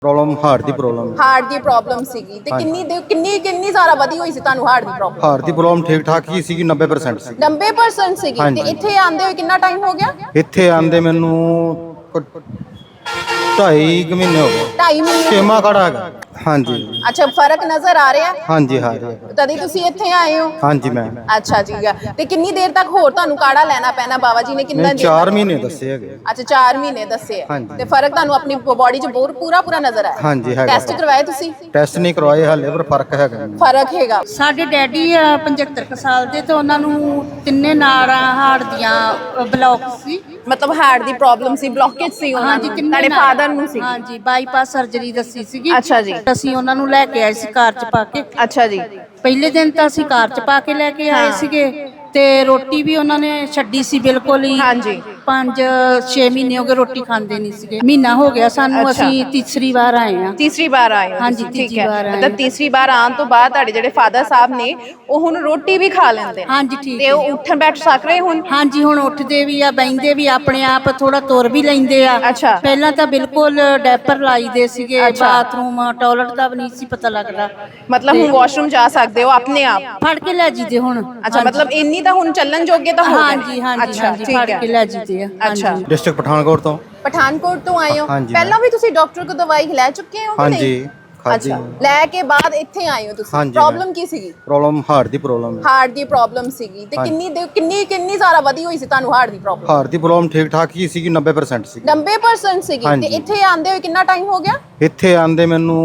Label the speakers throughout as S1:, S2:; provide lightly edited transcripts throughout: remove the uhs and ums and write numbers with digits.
S1: Problem heart ਦੀ problem
S2: heart ਦੀ problem ਸੀਗੀ ਤੇ ਕਿੰਨੀ ਜ਼ਿਆਦਾ ਵਧੀ ਹੋਈ ਸੀ ਤੁਹਾਨੂੰ ਹਾਰਟ ਦੀ ਪ੍ਰੋਬਲਮ?
S1: ਹਾਰਟ ਦੀ ਪ੍ਰੋਬਲਮ ਠੀਕ ਠਾਕ ਹੀ ਸੀਗੀ 90% ਸੀ।
S2: 90% ਸੀਗੀ ਤੇ ਇੱਥੇ ਆਂਦੇ ਹੋਏ ਕਿੰਨਾ ਟਾਈਮ ਹੋ ਗਿਆ?
S1: ਇੱਥੇ ਆਂਦੇ ਮੈਨੂੰ 2.5 ਮਹੀਨੇ ਹੋ ਗਏ।
S2: 2.5 ਮਹੀਨੇ?
S1: ਛੇਵਾਂ ਕਾੜਾ ਹੈਗਾ। ਹਾਂਜੀ।
S2: ਅੱਛਾ, ਫਰਕ ਨਜ਼ਰ ਆ ਰਿਹਾ?
S1: ਹਾਂਜੀ ਹਾਂ ਰਿਹਾ।
S2: ਤਦੇ ਤੁਸੀਂ ਇੱਥੇ ਆਏ ਹੋ?
S1: ਹਾਂਜੀ ਮੈਂ।
S2: ਅੱਛਾ ਜੀ। ਤੇ ਕਿੰਨੀ ਦੇਰ ਤੱਕ ਹੋਰ ਤੁਹਾਨੂੰ ਕਾੜਾ ਲੈਣਾ ਪੈਣਾ? ਬਾਬਾ ਜੀ ਨੇ ਕਿੰਨਾ ਦੇਰ?
S1: 4 ਮਹੀਨੇ ਦੱਸੇ ਹੈਗੇ।
S2: ਅੱਛਾ 4 ਮਹੀਨੇ ਦੱਸੇ ਆ ਤੇ ਫਰਕ ਤੁਹਾਨੂੰ ਆਪਣੀ ਬੋਡੀ 'ਚ ਪੂਰਾ ਨਜ਼ਰ ਆਇਆ?
S1: ਹਾਂਜੀ ਹੈਗਾ।
S2: ਟੈਸਟ ਕਰਵਾਏ ਤੁਸੀਂ?
S1: ਟੈਸਟ ਨਹੀਂ ਕਰਵਾਏ ਹਾਲੇ ਪਰ ਫਰਕ ਹੈਗਾ।
S2: ਫਰਕ ਹੈਗਾ।
S3: ਸਾਡੇ ਡੈਡੀ ਆ 75 ਕੁ ਸਾਲ ਦੇ ਤੇ ਉਹਨਾਂ ਨੂੰ ਤਿੰਨੇ ਨਾੜਾਂ ਹਾਰਟ ਦੀਆਂ ਬਲੌਕ ਸੀ।
S2: ਮਤਲਬ ਹਾਰਟ ਦੀ ਪ੍ਰੋਬਲਮ ਸੀ, ਬਲੌਕੇਜ ਸੀ ਉਹਨਾਂ ਨੂੰ? ਤੁਹਾਡੇ ਫਾਦਰ ਨੂੰ ਸੀ?
S3: ਹਾਂਜੀ, ਬਾਈਪਾਸ ਸਰਜਰੀ ਦੱਸੀ ਸੀਗੀ।
S2: ਅੱਛਾ ਜੀ।
S3: ਅਸੀਂ ਉਹਨਾਂ ਨੂੰ ਲੈ ਕੇ ਆਏ ਸੀ ਕਾਰ 'ਚ ਪਾ ਕੇ।
S2: ਅੱਛਾ ਜੀ।
S3: ਪਹਿਲੇ ਦਿਨ ਤਾਂ ਅਸੀਂ ਕਾਰ 'ਚ ਪਾ ਕੇ ਲੈ ਕੇ ਆਏ ਸੀਗੇ ਤੇ ਰੋਟੀ ਵੀ ਉਹਨਾਂ ਨੇ ਛੱਡੀ ਸੀ ਬਿਲਕੁਲ ਹੀ।
S2: ਹਾਂਜੀ।
S3: 5-6 ਮਹੀਨੇ ਹੋ ਗਏ ਰੋਟੀ ਖਾਂਦੇ ਨਹੀਂ ਸੀਗੇ। ਮਹੀਨਾ ਹੋ ਗਿਆ ਸਾਨੂੰ। ਅਸੀਂ ਤੀਸਰੀ ਵਾਰ ਆਏ ਆ।
S2: ਤੀਸਰੀ ਵਾਰ ਆਏ ਹੋ?
S3: ਹਾਂਜੀ,
S2: ਠੀਕ ਹੈ। ਮਤਲਬ ਤੀਸਰੀ ਵਾਰ ਆਉਣ ਤੋਂ ਬਾਅਦ ਤੁਹਾਡੇ ਜਿਹੜੇ ਫਾਦਰ ਸਾਹਿਬ ਨੇ ਉਹ ਹੁਣ ਰੋਟੀ ਵੀ ਖਾ ਲੈਂਦੇ?
S3: ਹਾਂਜੀ ਠੀਕ
S2: ਤੇ ਉਹ ਉੱਠ ਬੈਠ ਸਕ ਰਹੇ ਹੁਣ?
S3: ਹਾਂਜੀ, ਹੁਣ ਉੱਠਦੇ ਵੀ ਆ, ਬੈਠਦੇ ਵੀ ਆਪਣੇ ਆਪ, ਥੋੜਾ ਤੁਰ ਵੀ ਲੈਂਦੇ ਆ।
S2: ਅੱਛਾ।
S3: ਪਹਿਲਾਂ ਤਾਂ ਬਿਲਕੁਲ ਡੈਪਰ ਲਾਈਦੇ ਸੀਗੇ। ਬਾਥਰੂਮ ਟਾਇਲਟ ਦਾ ਵੀ ਨਹੀਂ ਸੀ ਪਤਾ ਲੱਗਦਾ।
S2: ਮਤਲਬ ਹੁਣ ਵਾਸ਼ਰੂਮ ਜਾ ਸਕਦੇ ਹੋ ਆਪਣੇ ਆਪ?
S3: ਫੜ ਕੇ ਲੈ ਜੀਦੇ ਹੁਣ।
S2: ਅੱਛਾ, ਮਤਲਬ ਇੰਨੀ ਤਾਂ ਹੁਣ ਚੱਲਣ ਜੋਗੇ ਤਾਂ ਹੋ ਗਏ?
S3: ਹਾਂਜੀ ਹਾਂਜੀ ਹਾਂਜੀ, ਫੜ ਕੇ ਲੈ ਜੀਦੇ ਆ।
S2: ਅੱਛਾ।
S1: ਡਿਸਟ੍ਰਿਕਟ ਪਠਾਨਕੋਟ ਤੋਂ।
S2: ਪਠਾਨਕੋਟ ਤੋਂ ਆਏ ਹੋ?
S1: ਹਾਂਜੀ।
S2: ਪਹਿਲਾਂ ਵੀ ਤੁਸੀਂ ਡਾਕਟਰ ਕੋਲ ਦਵਾਈ ਲੈ ਚੁੱਕੇ ਹੋ ਕਿ ਨਹੀਂ?
S1: ਹਾਂਜੀ ਖਾਦੀ।
S2: ਅੱਛਾ, ਲੈ ਕੇ ਬਾਅਦ ਇੱਥੇ ਆਏ ਹੋ ਤੁਸੀਂ?
S1: ਹਾਂਜੀ।
S2: ਪ੍ਰੋਬਲਮ ਕੀ ਸੀਗੀ?
S1: ਪ੍ਰੋਬਲਮ ਹਾਰਟ ਦੀ ਪ੍ਰੋਬਲਮ ਹੈ।
S2: ਹਾਰਟ ਦੀ ਪ੍ਰੋਬਲਮ ਸੀਗੀ ਤੇ ਕਿੰਨੀ ਜ਼ਿਆਦਾ ਵਧੀ ਹੋਈ ਸੀ ਤੁਹਾਨੂੰ ਹਾਰਟ ਦੀ ਪ੍ਰੋਬਲਮ?
S1: ਹਾਰਟ ਦੀ ਪ੍ਰੋਬਲਮ ਠੀਕ ਠਾਕ ਹੀ ਸੀਗੀ 90% ਸੀ।
S2: 90% ਸੀਗੀ ਤੇ ਇੱਥੇ ਆਂਦੇ ਹੋਏ ਕਿੰਨਾ ਟਾਈਮ ਹੋ ਗਿਆ?
S1: ਇੱਥੇ ਆਂਦੇ ਮੈਨੂੰ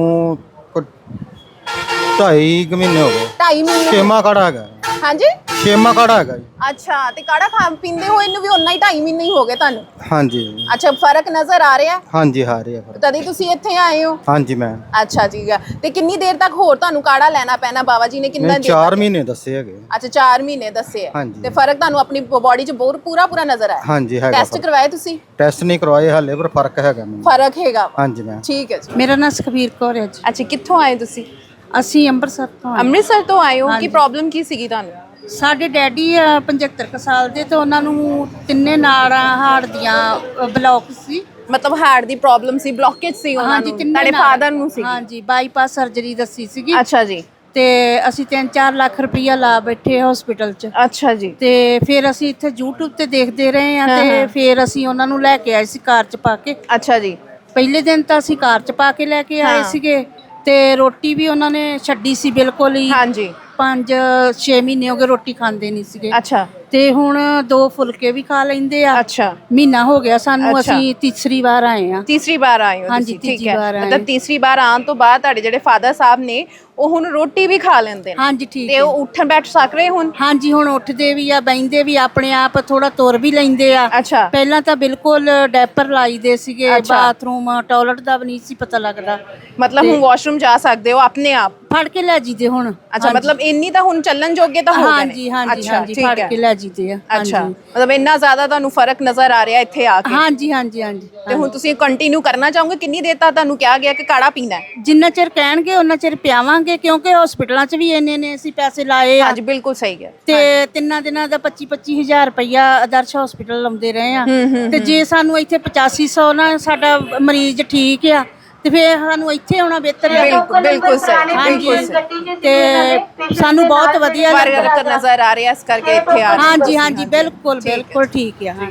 S1: 2.5 ਮਹੀਨੇ ਹੋ ਗਏ।
S2: 2.5 ਮਹੀਨੇ?
S1: ਛੇਵਾਂ ਕਾੜਾ ਹੈਗਾ।
S2: ਹਾਂਜੀ?
S1: ਛੇਵਾਂ ਕਾੜਾ ਹੈਗਾ ਜੀ।
S2: ਅੱਛਾ, ਤੇ ਕਾੜਾ ਪੀਂਦੇ ਹੋਏ ਇਹਨੂੰ ਵੀ ਉਨਾ ਹੀ 2.5 ਮਹੀਨੇ ਹੀ ਹੋ ਗਏ ਤੁਹਾਨੂੰ?
S1: ਹਾਂਜੀ।
S2: ਅੱਛਾ, ਫਰਕ ਨਜ਼ਰ ਆ ਰਿਹਾ?
S1: ਹਾਂਜੀ ਹਾਂ ਰਿਹਾ ਫਰਕ।
S2: ਤਦੇ ਤੁਸੀਂ ਇੱਥੇ ਆਏ ਹੋ?
S1: ਹਾਂਜੀ ਮੈਂ।
S2: ਅੱਛਾ ਜੀ। ਤੇ ਕਿੰਨੀ ਦੇਰ ਤੱਕ ਹੋਰ ਤੁਹਾਨੂੰ ਕਾੜਾ ਲੈਣਾ ਪੈਣਾ? ਬਾਬਾ ਜੀ ਨੇ ਕਿੰਨਾ ਦੇਰ?
S1: 4 ਮਹੀਨੇ ਦੱਸੇ ਹੈਗੇ।
S2: ਅੱਛਾ 4 ਮਹੀਨੇ ਦੱਸੇ ਆ ਤੇ ਫਰਕ ਤੁਹਾਨੂੰ ਆਪਣੀ ਬੋਡੀ 'ਚ ਪੂਰਾ ਨਜ਼ਰ ਆਇਆ?
S1: ਹਾਂਜੀ ਹੈਗਾ।
S2: ਟੈਸਟ ਕਰਵਾਏ ਤੁਸੀਂ?
S1: ਟੈਸਟ ਨਹੀਂ ਕਰਵਾਏ ਹਾਲੇ ਪਰ ਫਰਕ ਹੈਗਾ ਮੈਨੂੰ।
S2: ਫਰਕ ਹੈਗਾ?
S1: ਹਾਂਜੀ ਮੈਂ।
S2: ਠੀਕ ਹੈ ਜੀ।
S3: ਮੇਰਾ ਨਾਮ ਸੁਖਬੀਰ ਕੌਰ ਹੈ ਜੀ।
S2: ਅੱਛਾ, ਕਿੱਥੋਂ ਆਏ ਤੁਸੀਂ?
S3: ਅਸੀਂ ਅੰਮ੍ਰਿਤਸਰ ਤੋਂ ਆਏ।
S2: ਅੰਮ੍ਰਿਤਸਰ ਤੋਂ ਆਏ ਹੋ? ਕੀ ਪ੍ਰੋਬਲਮ ਕੀ ਸੀਗੀ ਤੁਹਾਨੂੰ?
S3: ਸਾਡੇ ਡੈਡੀ ਆ 75 ਕੁ ਸਾਲ ਦੇ ਤੇ ਉਹਨਾਂ ਨੂੰ ਤਿੰਨੇ ਨਾੜਾਂ ਹਾਰਟ ਦੀਆਂ ਬਲੌਕ ਸੀ।
S2: ਮਤਲਬ ਹਾਰਟ ਦੀ ਪ੍ਰੋਬਲਮ ਸੀ, ਬਲੌਕੇਜ ਸੀ ਉਹਨਾਂ ਨੂੰ? ਤੁਹਾਡੇ ਫਾਦਰ ਨੂੰ ਸੀ?
S3: ਹਾਂਜੀ, ਬਾਈਪਾਸ ਸਰਜਰੀ ਦੱਸੀ ਸੀਗੀ।
S2: ਅੱਛਾ ਜੀ।
S3: ਤੇ ਅਸੀਂ 3-4 ਲੱਖ ਰੁਪਈਆ ਲਾ ਬੈਠੇ ਹਸਪੀਟਲ 'ਚ।
S2: ਅੱਛਾ ਜੀ।
S3: ਤੇ ਫਿਰ ਅਸੀਂ ਇੱਥੇ YouTube ਤੇ ਦੇਖਦੇ ਰਹੇ ਆ ਤੇ ਫਿਰ ਅਸੀਂ ਉਹਨਾਂ ਨੂੰ ਲੈ ਕੇ ਆਏ ਸੀ ਕਾਰ 'ਚ ਪਾ ਕੇ।
S2: ਅੱਛਾ ਜੀ।
S3: ਪਹਿਲੇ ਦਿਨ ਤਾਂ ਅਸੀਂ ਕਾਰ 'ਚ ਪਾ ਕੇ ਲੈ ਕੇ ਆਏ ਸੀਗੇ ਤੇ ਰੋਟੀ ਵੀ ਉਹਨਾਂ ਨੇ ਛੱਡੀ ਸੀ ਬਿਲਕੁਲ ਹੀ।
S2: ਹਾਂਜੀ।
S3: 5-6 ਮਹੀਨੇ ਹੋ ਗਏ ਰੋਟੀ ਖਾਂਦੇ ਨਹੀਂ ਸੀਗੇ।
S2: ਅੱਛਾ।
S3: ਤੇ ਹੁਣ 2 ਫੁਲਕੇ ਵੀ ਖਾ ਲੈਂਦੇ ਆ।
S2: ਅੱਛਾ।
S3: ਮਹੀਨਾ ਹੋ ਗਿਆ ਸਾਨੂੰ। ਅਸੀਂ ਤੀਸਰੀ ਵਾਰ ਆਏ ਆ।
S2: ਤੀਸਰੀ ਵਾਰ ਆਏ ਹੋ
S3: ਹਾਂਜੀ,
S2: ਤੁਸੀਂ? ਠੀਕ
S3: ਤੀਜੀ
S2: ਹੈ।
S3: ਵਾਰ ਆਏ।
S2: ਮਤਲਬ ਤੀਸਰੀ ਵਾਰ ਆਉਣ ਤੋਂ ਬਾਅਦ ਤੁਹਾਡੇ ਜਿਹੜੇ ਫਾਦਰ ਸਾਹਿਬ ਨੇ ਉਹ ਹੁਣ ਰੋਟੀ ਵੀ ਖਾ ਲੈਂਦੇ ਨੇ?
S3: ਹਾਂਜੀ ਠੀਕ
S2: ਤੇ ਉਹ ਉੱਠ ਬੈਠ ਸਕ ਰਹੇ ਹੁਣ?
S3: ਹਾਂਜੀ, ਹੁਣ ਉੱਠਦੇ ਵੀ ਆ, ਬੈਠਦੇ ਵੀ ਆਪਣੇ ਆਪ, ਥੋੜਾ ਤੁਰ ਵੀ ਲੈਂਦੇ ਆ।
S2: ਅੱਛਾ।
S3: ਪਹਿਲਾਂ ਤਾਂ ਬਿਲਕੁਲ ਡੈਪਰ ਲਾਈਦੇ ਸੀਗੇ। ਬਾਥਰੂਮ ਟਾਇਲਟ ਦਾ ਵੀ ਨਹੀਂ ਸੀ ਪਤਾ ਲੱਗਦਾ।
S2: ਮਤਲਬ ਹੁਣ ਵਾਸ਼ਰੂਮ ਜਾ ਸਕਦੇ ਹੋ ਆਪਣੇ ਆਪ?
S3: ਫੜ ਕੇ ਲੈ ਜੀਦੇ ਹੁਣ।
S2: ਅੱਛਾ, ਮਤਲਬ ਇੰਨੀ ਤਾਂ ਹੁਣ ਚੱਲਣ ਜੋਗੇ ਤਾਂ ਹੋ ਗਏ ਨੇ?
S3: ਹਾਂਜੀ ਹਾਂਜੀ ਹਾਂਜੀ, ਫੜ ਕੇ ਲੈ ਜੀਦੇ ਆ।
S2: ਅੱਛਾ, ਮਤਲਬ ਇੰਨਾ ਜ਼ਿਆਦਾ ਤੁਹਾਨੂੰ ਫਰਕ ਨਜ਼ਰ ਆ ਰਿਹਾ ਇੱਥੇ ਆ ਕੇ?
S3: ਹਾਂਜੀ ਹਾਂਜੀ ਹਾਂਜੀ।
S2: ਤੇ ਹੁਣ ਤੁਸੀਂ ਕੰਟੀਨਿਊ ਕਰਨਾ ਚਾਹੋਗੇ? ਕਿੰਨੀ ਦੇਰ ਤੱਕ ਤੁਹਾਨੂੰ ਕਿਹਾ ਗਿਆ ਕਿ ਕਾੜਾ ਪੀਣਾ ਹੈ?
S3: ਜਿੰਨਾ ਚਿਰ ਕਹਿਣਗੇ ਉਹਨਾਂ ਚਿਰ ਪਿਆਵਾਂਗੇ ਕਿਉਂਕਿ ਹਸਪੀਟਲਾਂ 'ਚ ਵੀ ਇੰਨੇ ਅਸੀਂ ਪੈਸੇ ਲਾਏ ਆ।
S2: ਹਾਂਜੀ ਬਿਲਕੁਲ ਸਹੀ ਹੈ।
S3: ਤੇ 3 ਦਿਨਾਂ ਦਾ 25-25 ਹਜ਼ਾਰ ਰੁਪਈਆ ਆਦਰਸ਼ ਹਸਪੀਟਲ ਲਾਉਂਦੇ ਰਹੇ ਆ। ਤੇ ਜੇ ਸਾਨੂੰ ਇੱਥੇ 8500 ਨਾਲ ਸਾਡਾ ਮਰੀਜ਼ ਠੀਕ ਆ ਤੇ ਫਿਰ ਸਾਨੂੰ ਇੱਥੇ ਆਉਣਾ ਬਿਹਤਰ ਹੈ।
S2: ਬਿਲਕੁਲ ਸਹੀ। ਹਾਂਜੀ,
S3: ਤੇ ਸਾਨੂੰ ਬਹੁਤ ਵਧੀਆ
S2: ਫਰਕ ਨਜ਼ਰ ਆ ਰਿਹਾ ਇਸ ਕਰਕੇ ਇੱਥੇ ਆ।
S3: ਹਾਂਜੀ ਹਾਂਜੀ, ਬਿਲਕੁਲ ਬਿਲਕੁਲ ਠੀਕ ਆ।